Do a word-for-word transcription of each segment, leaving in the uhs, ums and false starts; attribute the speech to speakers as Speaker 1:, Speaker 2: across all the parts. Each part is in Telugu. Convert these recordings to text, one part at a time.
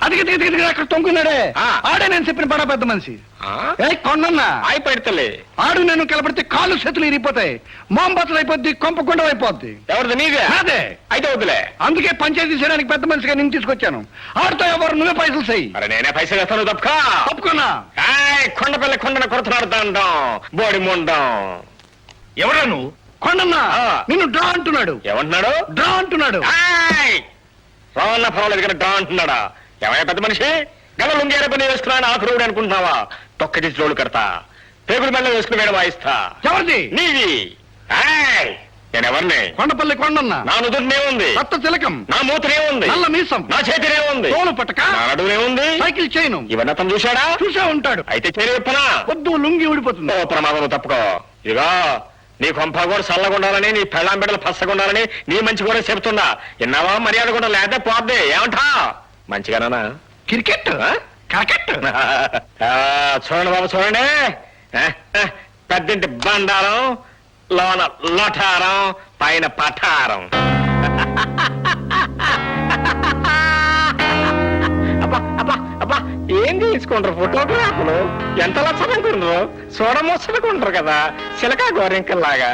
Speaker 1: అది అక్కడ తొంగున్నాడే ఆడే నేను చెప్పిన బడా పెద్ద మనిషి ఏ కొండన్నా
Speaker 2: ఆయి పెడతలే
Speaker 1: ఆడు నేను కలబడితే కాళ్ళు చేతులు ఇరిగిపోతాయి, మోంబతులు అయిపోద్ది, కొంపకుండా అయిపోద్ది.
Speaker 2: ఎవరిది? నీదే?
Speaker 1: అదే.
Speaker 2: అయితే వద్దులే.
Speaker 1: అందుకే పంచాయతీ చేయడానికి పెద్ద మనిషిగా నేను తీసుకొచ్చాను. ఆడితో ఎవరు నువ్వే పైసలు చెయ్యి.
Speaker 2: అరే నేనే పైసలు వేస్తాను. తప్పుకో.
Speaker 1: తప్పుకున్నా.
Speaker 2: కొండపల్లి కొండను కొడుతున్నాడు దండం బోడి ముండం. ఎవరా నువ్వు?
Speaker 1: కొండన్నా నిన్ను డ్రా అంటున్నాడు.
Speaker 2: ఏమంటున్నాడు?
Speaker 1: డ్రా అంటున్నాడు.
Speaker 2: రావన్నా పర్వాలేదు కానీ డ్రా అంటున్నాడా? ఏమయ్యా పెద్ద మనిషి, గల లుంగేరే పని వేసుకున్నాను ఆకురుడు అనుకుంటున్నావా? తొక్క తీసి రోడ్డు కడతా, పేగుల మెల్ల వేసుకుని వేడ వాయిస్తా.
Speaker 1: ఎవరిది?
Speaker 2: నీది. నేనెవరిని?
Speaker 1: కొండపల్లి కొండన్నా.
Speaker 2: నా నుదురునే ఉంది
Speaker 1: కొత్త తిలకం,
Speaker 2: నా మూతనే ఉంది,
Speaker 1: నల్ల మీసం,
Speaker 2: నా చేతినే ఉంది,
Speaker 1: తోలు పట్టక,
Speaker 2: నా నడునే ఉంది,
Speaker 1: సైకిల్ చైను.
Speaker 2: ఇవన్నీ అతను చూశాడా?
Speaker 1: చూసే ఉంటాడు.
Speaker 2: అయితే చేరి విప్పనా?
Speaker 1: వద్దు, లుంగి ఊడిపోతుంది.
Speaker 2: ఓ ప్రమాదం, తప్పుకో. ఇదిగో నీ కొంప కూడా చల్లగుండాలని, నీ పెళ్ళాం బిడ్డలు పచ్చగుండాలని నీ మంచి కూడా చెప్తున్నా. విన్నావా? మర్యాద కూడా లేకపోతే పోద్ది. ఏమంటా? మంచిగానా?
Speaker 1: క్రికెట్ క్రికెట్
Speaker 2: చూడండి బాబు, చూడండి. పెద్దింటి బండారం, లోన లొఠారం, పైన పఠారం. అబ్బా అబ్బా అబ్బా ఏం తీసుకుంటారు ఫోటోగ్రాఫ్లు? ఎంత లక్షణంటారు, చూడమొచ్చనుకుంటారు కదా, చిలకా గోరింకల్లాగా.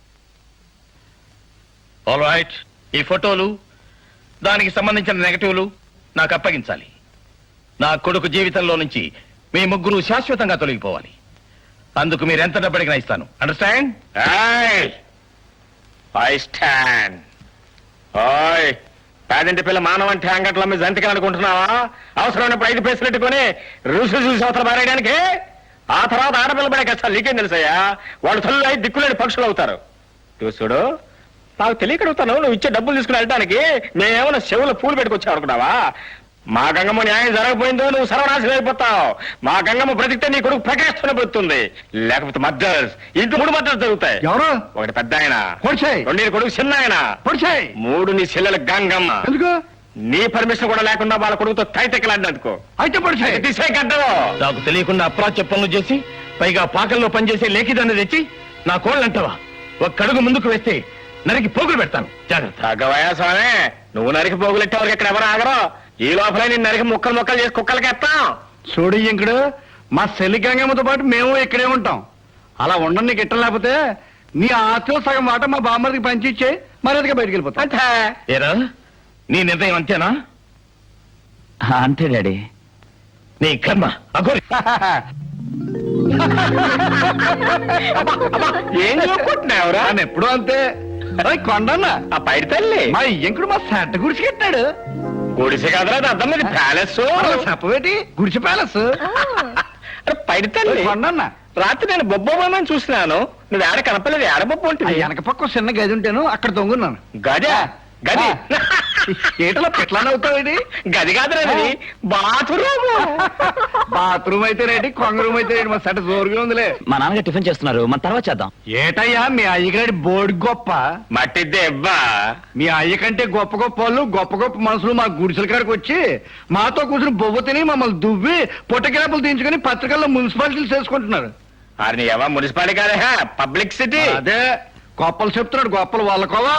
Speaker 3: ఆల్ రైట్, ఈ ఫోటోలు దానికి సంబంధించిన నెగటివ్లు నాకు అప్పగించాలి. నా కొడుకు జీవితంలో నుంచి మీ ముగ్గురు శాశ్వతంగా తొలగిపోవాలి. అందుకు మీరు ఎంత డబ్బడిగినా ఇస్తాను. అండర్స్టాండ్?
Speaker 2: I stand. ఓయ్ పేదింటి పిల్ల మానవంటి అంగట్లో మీ జంతికలు అనుకుంటున్నావా? అవసరమైనప్పుడు ఐదు పైసలు పెట్టుకుని రుసు చూసి అవతల మారేయడానికి. ఆ తర్వాత ఆడపిల్ల పడే కష్టాలు నీకేం తెలుసయ్యా? వాళ్ళు తల్లి ఐదు దిక్కులేని పక్షులు అవుతారు. చూసుడు, నాకు తెలియకడుగుతాను, నువ్వు ఇచ్చే డబ్బులు తీసుకుని వెళ్ళడానికి మేమేమైనా చెవుల పూలు పెట్టుకొచ్చావు అనుకున్నావా? మా గంగమ్మ న్యాయం జరగకపోయిందో నువ్వు సర్వనాశనం అయిపోతావు. మా గంగమ్మ బ్రతికితే నీ కొడుకు ప్రకాశం పెడుతుంది, లేకపోతే మద్దర్స్ ఇంటి మూడు మద్దర్స్ జరుగుతాయి.
Speaker 1: ఎవరు?
Speaker 2: ఒకటి పెద్ద ఆయన,
Speaker 1: పొడిచాయి.
Speaker 2: రెండు నీ కొడుకు చిన్న ఆయన,
Speaker 1: పొడిచాయి.
Speaker 2: మూడు నీ చెల్లెల గంగమ్మ.
Speaker 1: ఎందుకు?
Speaker 2: నీ పర్మిషన్ కూడా లేకుండా వాళ్ళ కొడుకుతో తైతెక్కలాడినందుకు.
Speaker 1: అయితే పొడిచాయి.
Speaker 2: తీసే గడ్డలో
Speaker 3: నాకు తెలియకుండా అప్రాచ్య పనులు చేసి పైగా పాకల్లో పనిచేసే లేఖిదాన్ని తెచ్చి నా కోళ్ళు అంటావా? ఒక కడుగు ముందుకు వేస్తే నరికి పోగులు పెడతాను. జాగ్రత్త.
Speaker 2: తగ్గవయా స్వామి, నువ్వు నరికి పోగులెట్టేవారికి ఇక్కడ ఎవరు ఆగరు. ఈ లోపల నేను నరికి ముక్కలు ముక్కలు చేసి కుక్కలకి ఎత్తాం.
Speaker 1: చూడు ఇంకుడు, మా చెల్లి గంగమ్మతో పాటు మేము ఇక్కడే ఉంటాం. అలా ఉండడం నీకు ఇట్టం లేకపోతే నీ ఆస్తిలో సగం మాట మా బామ్మడికి పంచిచ్చే మర్యాదగా బయటికి వెళ్ళిపోతాం.
Speaker 2: అంతే.
Speaker 3: ఏరా, నీ నిర్ణయం అంతేనా?
Speaker 4: అంతే డాడీ.
Speaker 3: నీ కర్మ అఘోరి.
Speaker 2: ఏం చూపుకుంటున్నావురా?
Speaker 1: ఆయన ఎప్పుడు అంతే. కొండన్న
Speaker 2: ఆ పైడి తల్లి
Speaker 1: మా ఇంకుడు మా సెంట గుడిసి కట్టాడు.
Speaker 2: గుడిసె కదరా, అర్థం మీద ప్యాలెస్.
Speaker 1: చెప్పవేటి గుడిసె ప్యాలెస్.
Speaker 2: పైడి తల్లి
Speaker 1: కొండన్న,
Speaker 2: రాత్రి నేను బొబ్బోమని చూసినాను, నువ్వు ఏడ కనపలేదు. ఏడ బొబ్బ ఉంటుంది?
Speaker 1: వెనక పక్క చిన్న గది ఉంటేను అక్కడ తొంగున్నాను.
Speaker 2: గదా? గది
Speaker 1: ఏటలో పెట్లానే అవుతావేటి?
Speaker 2: గది కాదురా, బాత్రూమ్.
Speaker 1: బాత్రూమ్ అయితే రేటి, కొంగ రూమ్ అయితే రేటి. మా సెట జోరుగా ఉందిలే.
Speaker 4: మా నాన్నగారు టిఫిన్ చేస్తున్నారు, మన తర్వాత చేద్దాం.
Speaker 1: ఏటయ్యా మీ అయ్యగారి బోర్డు గొప్ప.
Speaker 2: మట్టిద్దే ఇవ్వా.
Speaker 1: మీ అయ్య కంటే గొప్ప గొప్ప వాళ్ళు, గొప్ప గొప్ప మనుషులు మా గుడిసెల కాడికి వచ్చి మాతో కూర్చుని బొవ్వ తిని మమ్మల్ని దువ్వి పొట్టకిరాపులు తీయించుకుని పత్రికల్లో మున్సిపాలిటీలు చేసుకుంటున్నారు.
Speaker 2: అది ఎవ మున్సిపాలిటీ కాదా, పబ్లిక్ సిటీ.
Speaker 1: అదే గొప్పలు చెప్తున్నాడు, గొప్పలు వాళ్ళకోవా.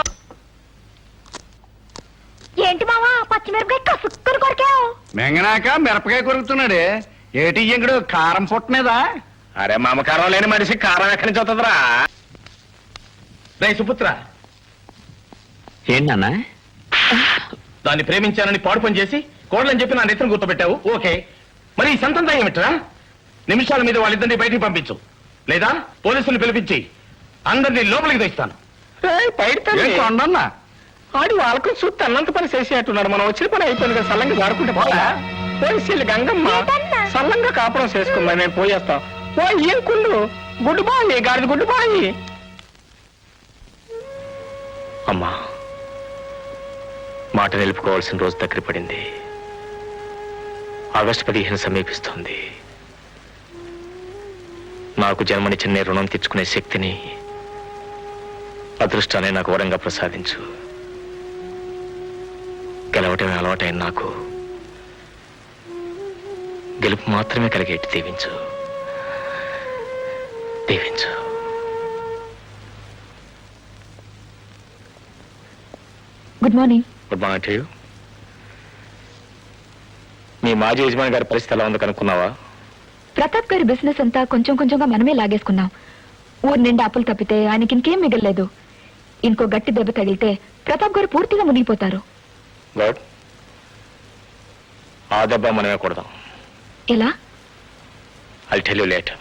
Speaker 5: ఏంటి మావా పచ్చిమిరపకాయ కసుక్కుని కొరికావు?
Speaker 1: మెంగనాక మిరపకాయ కొరుకుతున్నాడే. ఏటి ఇంకడు కారం పుట్టనేదా?
Speaker 2: అరే మమకారం లేని మనిషి కారం ఎక్కడి నుంచి వస్తుందిరా?
Speaker 3: రే సుపుత్ర,
Speaker 4: ఏంటి నాన్న?
Speaker 3: దాన్ని ప్రేమించానని పాడు పని చేసి కోడలని చెప్పి నా నెత్తిని గుర్తుపెట్టావు. ఓకే, మరి ఈ సంతంతా ఏమిట్రా? నిమిషాల మీద వాళ్ళిద్దరిని బయటికి పంపించు, లేదా పోలీసులు పిలిపించి అందరినీ లోపలికి తెస్తాను.
Speaker 1: కొండన్నా
Speaker 2: ఆడి వాళ్ళకు చూస్తే అన్నంత పని చేసేట్టున్నాడు. మనం వచ్చిన పని అయిపోయింది కదా, సల్లంగా జారుకుంటే పోలా. పోలీసులు గంగమ్మ సల్లంగా కాపురం చేసుకుందా, నేను పోయేస్తా. ఓ ఏం కుళ్ళు గుడ్డు బాయి, గాడిద గుడ్డు బాయి. అమ్మా, మాట నిలుపుకోవాల్సిన రోజు దగ్గర పడింది. ఆగస్టు పదిహేను సమీపిస్తోంది. నాకు జన్మనిచ్చిన రుణం తెచ్చుకునే శక్తిని, అదృష్టాన్ని నాకు వరంగా ప్రసాదించు. గెలవటమే అలవాటైన నాకు గెలుపు మాత్రమే కలిగేట్టు దీవించు, దీవించు.
Speaker 5: Good morning.
Speaker 2: Good morning to you. మీ నీ మాజీ యజమాని గారి పరిస్థితి ఎలా ఉంది కనుక్కున్నావా?
Speaker 6: ప్రతాప్ గారి బిజినెస్ అంతా కొంచెం కొంచెంగా మనమే లాగేసుకున్నాం. ఊరు నిండా అప్పులు తప్పితే ఆయనకి ఇంకేం మిగలలేదు. ఇంకో గట్టి దెబ్బ తగిలితే ప్రతాప్ గారు పూర్తిగా మునిగిపోతారు.
Speaker 2: గుడ్. ఆ దెబ్బ మనమే కొడదాం.
Speaker 6: ఎలా?
Speaker 2: I'll tell you later.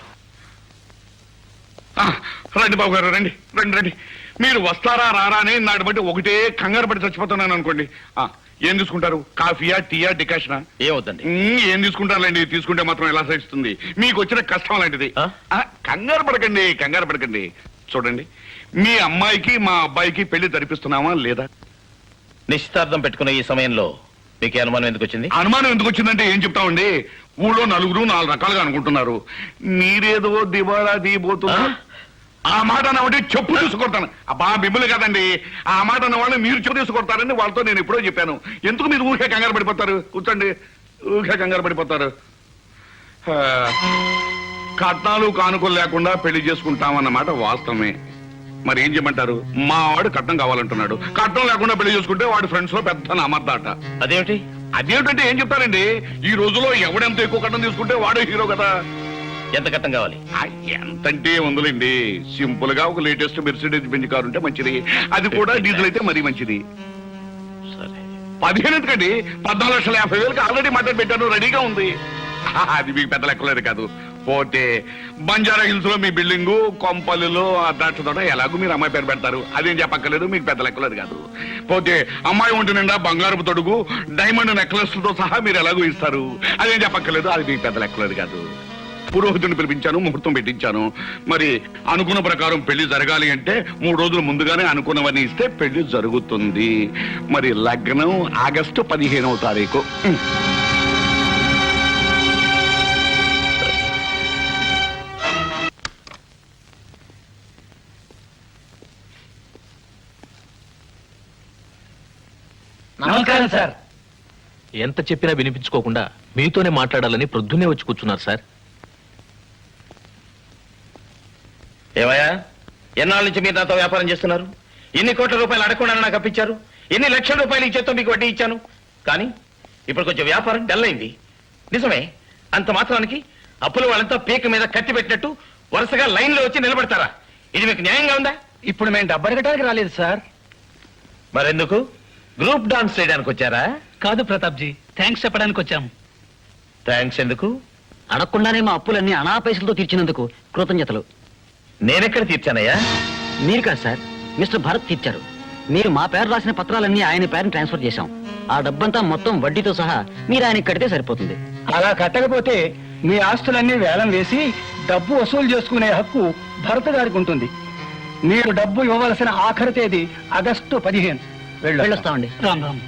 Speaker 7: ఆ, రండి బాబు గారు, రండి రండి రండి. మీరు వస్తారా రారా అని నాటి బట్టి ఒకటే కంగారు పడి చచ్చిపోతున్నాను అనుకోండి. ఆ, ఏం తీసుకుంటారు? కాఫీయా, టీయా, డికాషనా?
Speaker 3: ఏమవుతుంది?
Speaker 7: ఉమ్, ఏం తీసుకుంటారులేండి. తీసుకుంటే మాత్రం ఎలా సహిస్తుంది? మీకు వచ్చిన కష్టం లాంటిది.
Speaker 3: ఆ?
Speaker 7: ఆ, కంగారు పడకండి, కంగారు పడకండి. చూడండి, మీ అమ్మాయికి మా అబ్బాయికి పెళ్లి జరిపిస్తున్నామా లేదా?
Speaker 3: నిశ్చితార్థం పెట్టుకున్న ఈ సమయంలో మీకు ఈ అనుమానం ఎందుకు వచ్చింది?
Speaker 7: అనుమానం ఎందుకు వచ్చిందంటే ఏం చెప్తామండి, ఊళ్ళో నలుగురు నాలుగు రకాలుగా అనుకుంటున్నారు. మీరేదో దివాళా తీయబోతున్నా. ఆ మాట అన్నవాడి చెప్పు తీసుకొడతాను. అబ్బా మిమ్మల్ని కదండి, ఆ మాట అన్నవాళ్ళు మీరు చెప్పు తీసుకొడతారని వాళ్ళతో నేను ఎప్పుడో చెప్పాను. ఎందుకు మీరు ఊరికే కంగారు పడిపోతారు? కూర్చోండి, ఊరికే కంగారు పడిపోతారు. ఆ, కట్నాలు కానుకలు లేకుండా పెళ్లి చేసుకుంటామన్నమాట వాస్తవమే. మరి ఏం చేయమంటారు? మా వాడు కట్నం కావాలంటున్నాడు. కట్నం లేకుండా పెళ్లి చేసుకుంటే వాడి ఫ్రెండ్స్ లో పెద్ద నమ్మద్దాట.
Speaker 3: అదేమిటి?
Speaker 7: అదేమిటంటే ఏం చెప్తారండి, ఈ రోజులో ఎవడెంత ఎక్కువ కట్నం తీసుకుంటే వాడే హీరో కదా.
Speaker 3: ఎంత కట్టం కావాలి?
Speaker 7: ఆ, ఎంతంటే ఉందిలేండి. సింపుల్ గా ఒక లేటెస్ట్ మెర్సిడీస్ బెంజ్ కారు ఉంటే మంచిది. అది కూడా డీజిల్ అయితే మరీ మంచిది.
Speaker 3: సరే,
Speaker 7: పదిహేను ఎందుకండి, పద్నాలుగు లక్షల యాభై వేలకి ఆల్రెడీ మాట్లాడి పెట్టాను, రెడీగా ఉంది. ఆ, అది మీకు పెద్ద లెక్కలేదు కాదు. పోతే బంజారా హిల్స్ లో మీ బిల్డింగు, కొంపల్లిలో ద్రాక్ష తోట, ఎలాగో మీరు అమ్మాయి పేరు పెడతారు, అదేం చెప్పక్కర్లేదు, మీకు పెద్ద లెక్కలేదు కాదు. పోతే అమ్మాయి ఒంటి నిండా బంగారపు తొడుగు, డైమండ్ నెక్లెస్ తో సహా మీరు ఎలాగో ఇస్తారు, అదేం చెప్పక్కర్లేదు, అది మీకు పెద్ద లెక్కలేదు కాదు. పురోహితుని పిలిపించాను, ముహూర్తం పెట్టించాను. మరి అనుకున్న ప్రకారం పెళ్లి జరగాలి అంటే మూడు రోజులు ముందుగానే అనుకున్నవన్నీ ఇస్తే పెళ్లి జరుగుతుంది. మరి లగ్నం ఆగస్టు పదిహేనవ తారీఖు.
Speaker 8: నమస్కారం సార్. ఎంత చెప్పినా వినిపించుకోకుండా మీతోనే మాట్లాడాలని ప్రొద్దునే వచ్చి కూర్చున్నారు సార్.
Speaker 3: ఏమయ్యా, ఎన్నాళ్ళ నుంచి మీరు నాతో వ్యాపారం చేస్తున్నారు? ఎన్ని కోట్ల రూపాయలు అడగకుండా నాకు అప్పించారు, ఎన్ని లక్షల రూపాయలు ఇచ్చేతో మీకు వడ్డీ ఇచ్చాను. కానీ ఇప్పుడు కొంచెం వ్యాపారం డల్ అయింది. నిజమే, అంత మాత్రానికి అప్పుల వాళ్ళంతా పీక మీద కత్తి పెట్టినట్టు వరుసగా లైన్ లో వచ్చి నిలబడతారా? ఇది మీకు న్యాయంగా ఉందా?
Speaker 8: ఇప్పుడు మేము డబ్బు అడగటానికి రాలేదు సార్.
Speaker 3: మరెందుకు గ్రూప్ డాన్స్ చేయడానికి వచ్చారా?
Speaker 8: కాదు ప్రతాప్ జీ, థ్యాంక్స్ చెప్పడానికి వచ్చాం.
Speaker 3: థ్యాంక్స్ ఎందుకు?
Speaker 4: అడగకుండానే మా అప్పులన్నీ అనా పైసలతో తీర్చినందుకు కృతజ్ఞతలు.
Speaker 3: నేనెక్కడ తీర్చానయ్యా?
Speaker 4: మీరు కాదు సార్, మిస్టర్ భరత్ తీర్చారు. మీరు మా పేరు రాసిన పత్రాలన్నీ ఆయన పేరుని ట్రాన్స్ఫర్ చేశాం. ఆ డబ్బంతా మొత్తం వడ్డీతో సహా మీరు ఆయనకి కడితే సరిపోతుంది.
Speaker 8: అలా కట్టకపోతే మీ ఆస్తులన్నీ వేలం వేసి డబ్బు వసూలు చేసుకునే హక్కు భరత్ గారికి ఉంటుంది. మీరు డబ్బు ఇవ్వవలసిన ఆఖరి తేదీ ఆగస్టు పదిహేను.
Speaker 4: వెళ్ళొస్తామండి.
Speaker 8: రామ్ రామ్.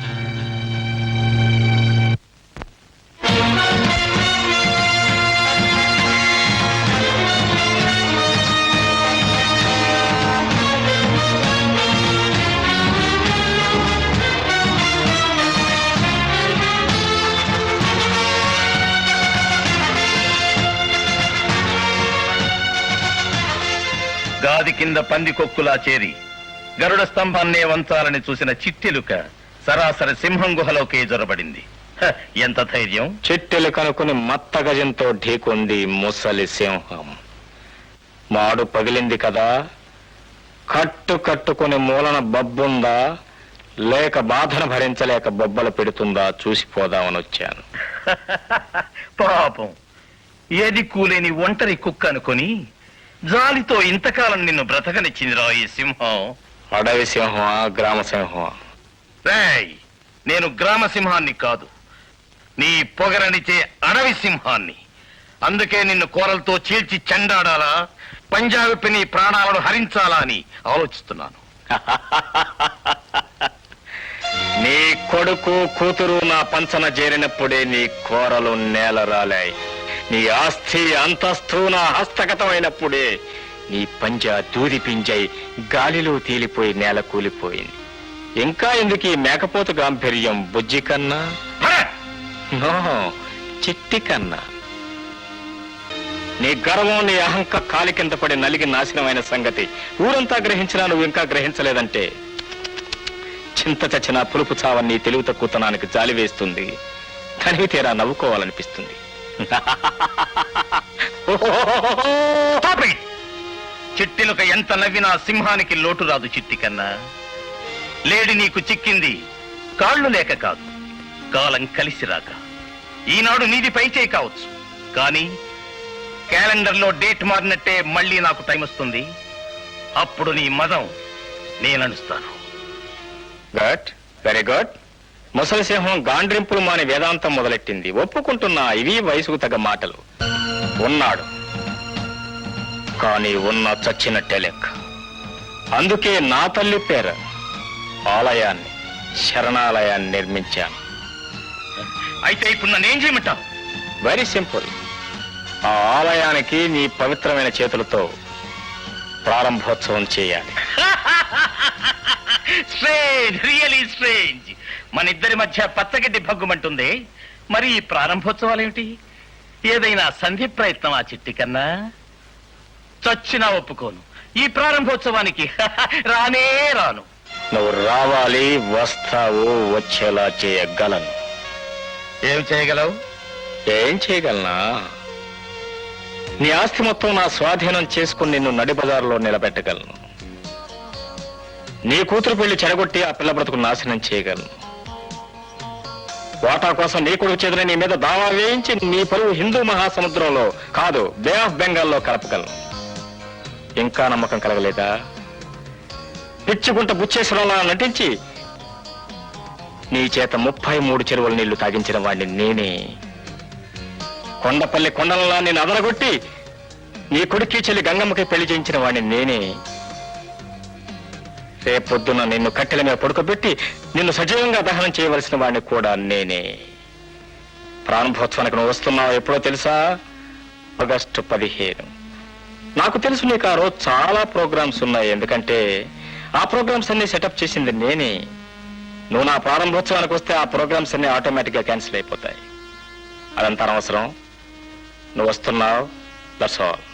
Speaker 3: గాది కింద పంది కొక్కులా చేరి గరుడ స్తంభాన్నే వంచాలని చూసిన చిట్టెలుక సరాసరి సింహం గుహలోకి జొరబడింది. హ, ఎంత ధైర్యం!
Speaker 2: చిట్టెలు కనుక్కుని మత్త గజంతో ఢీకొంది ముసలి సింహం. మాడు పగిలింది కదా, కట్టు కట్టుకుని మూలన బబ్బుందా లేక బాధను భరించలేక బొబ్బలు పెడుతుందా చూసిపోదామని వచ్చాను.
Speaker 3: పాపం, ఏది కూలేని ఒంటరి కుక్క అనుకొని జాలితో ఇంతకాలం నిన్ను బ్రతకనిచ్చిందిరా ఈ సింహం.
Speaker 2: అడవి సింహమా గ్రామ సింహమా?
Speaker 3: రేయ్, నేను గ్రామ సింహాన్ని కాదు, నీ పొగరనిచే అడవి సింహాన్ని. అందుకే నిన్ను కోరలతో చీల్చి చెండాడాలా, పంజాబీ నీ ప్రాణాలను హరించాలా అని ఆలోచిస్తున్నాను.
Speaker 2: నీ కొడుకు కూతురు నా పంచన చేరినప్పుడే నీ కోరలు నేల రాలాయి. నీ ఆస్తి అంతస్తు నా హస్తగతమైనప్పుడే నీ పంజా దూది పింజై గాలిలో తేలిపోయి నేల కూలిపోయింది. ఇంకా ఎందుకు ఈ మేకపోతు గాంభీర్యం బుజ్జి కన్నా? నో, చిట్టి కన్నా. నీ గర్వం నీ అహంక కాలి కింద పడి నలిగి నాశనమైన సంగతి ఊరంతా గ్రహించినా నువ్వు ఇంకా గ్రహించలేదంటే చింత చచ్చిన పులుపు చావని తెలివి తక్కువతనానికి జాలి వేస్తుంది. తనివి తీరా నవ్వుకోవాలనిపిస్తుంది.
Speaker 3: Stop it! చిట్టిలుక ఎంత నవ్వినా సింహానికి లోటు రాదు చిట్టి కన్నా. లేడి నీకు చిక్కింది కాళ్ళు లేక కాదు, కాలం కలిసి రాక. ఈనాడు నీది పైచే కావచ్చు, కానీ క్యాలెండర్లో డేట్ మారినట్టే మళ్ళీ నాకు టైం వస్తుంది. అప్పుడు నీ మదం నేననుస్తాను.
Speaker 2: Good, very good. ముసలి సింహం గాండ్రింపులు మాని వేదాంతం మొదలెట్టింది. ఒప్పుకుంటున్నా, ఇవి వయసుకు తగ్గ మాటలు. ఉన్నాడు, కానీ ఉన్న చచ్చినట్టే లెక్క. అందుకే నా తల్లి పేర ఆలయాన్ని, శరణాలయాన్ని నిర్మించాను.
Speaker 3: అయితే ఇప్పుడు నన్ను ఏం చేయమంటావు?
Speaker 2: Very simple. ఆ ఆలయానికి నీ పవిత్రమైన చేతులతో ప్రారంభోత్సవం చేయాలి.
Speaker 3: Strange, really strange. మన ఇద్దరి మధ్య పచ్చగడ్డి భగ్గుమంటుంది. మరి ఈ ప్రారంభోత్సవాలేమిటి? ఏదైనా సంధి ప్రయత్నం ఆ చిట్టి కన్నా? చచ్చినా ఒప్పుకోను. ఈ ప్రారంభోత్సవానికి రానే రాను.
Speaker 2: నువ్వు రావాలి, వస్తావు, వచ్చేలా చేయగలను.
Speaker 3: ఏం చేయగలవు?
Speaker 2: ఏం చేయగలనా? నీ ఆస్తి మొత్తం నా స్వాధీనం చేసుకుని నిన్ను నడి బజారులో నిలబెట్టగలను. నీ కూతురు పెళ్లి చెడగొట్టి ఆ పిల్ల బ్రతుకు నాశనం చేయగలను. వాటా కోసం నీ కొడుకు చేతుల నీ మీద దావా వేయించి నీ పరువు హిందూ మహాసముద్రంలో కాదు, బే ఆఫ్ బెంగాల్లో కలపగలను. ఇంకా నమ్మకం కలగలేదా? పిచ్చుకుంట బుచ్చేశ్వరంలా నటించి నీ చేత ముప్పై మూడు చెరువుల నీళ్లు తాగించిన వాడిని నేనే. కొండపల్లి కొండలలా నేను అదరగొట్టి నీ కొడుక్కి చెల్లి గంగమ్మకి పెళ్లి చేయించిన వాడిని నేనే. రేపొద్దున నిన్ను కట్టెల మీద పడుకోబెట్టి నిన్ను సజీవంగా దహనం చేయవలసిన వాడిని కూడా నేనే. ప్రారంభోత్సవానికి నువ్వు వస్తున్నావు ఎప్పుడో తెలుసా? ఆగస్టు పదిహేను. నాకు తెలుసు నీకు ఆ రోజు చాలా ప్రోగ్రామ్స్ ఉన్నాయి, ఎందుకంటే ఆ ప్రోగ్రామ్స్ అన్ని సెటప్ చేసింది నేనే. నువ్వు నా ప్రారంభోత్సవానికి వస్తే ఆ ప్రోగ్రామ్స్ అన్ని ఆటోమేటిక్ గా క్యాన్సిల్ అయిపోతాయి. అదంతా అనవసరం. నువ్వు వస్తున్నావు, దట్స్ ఆల్.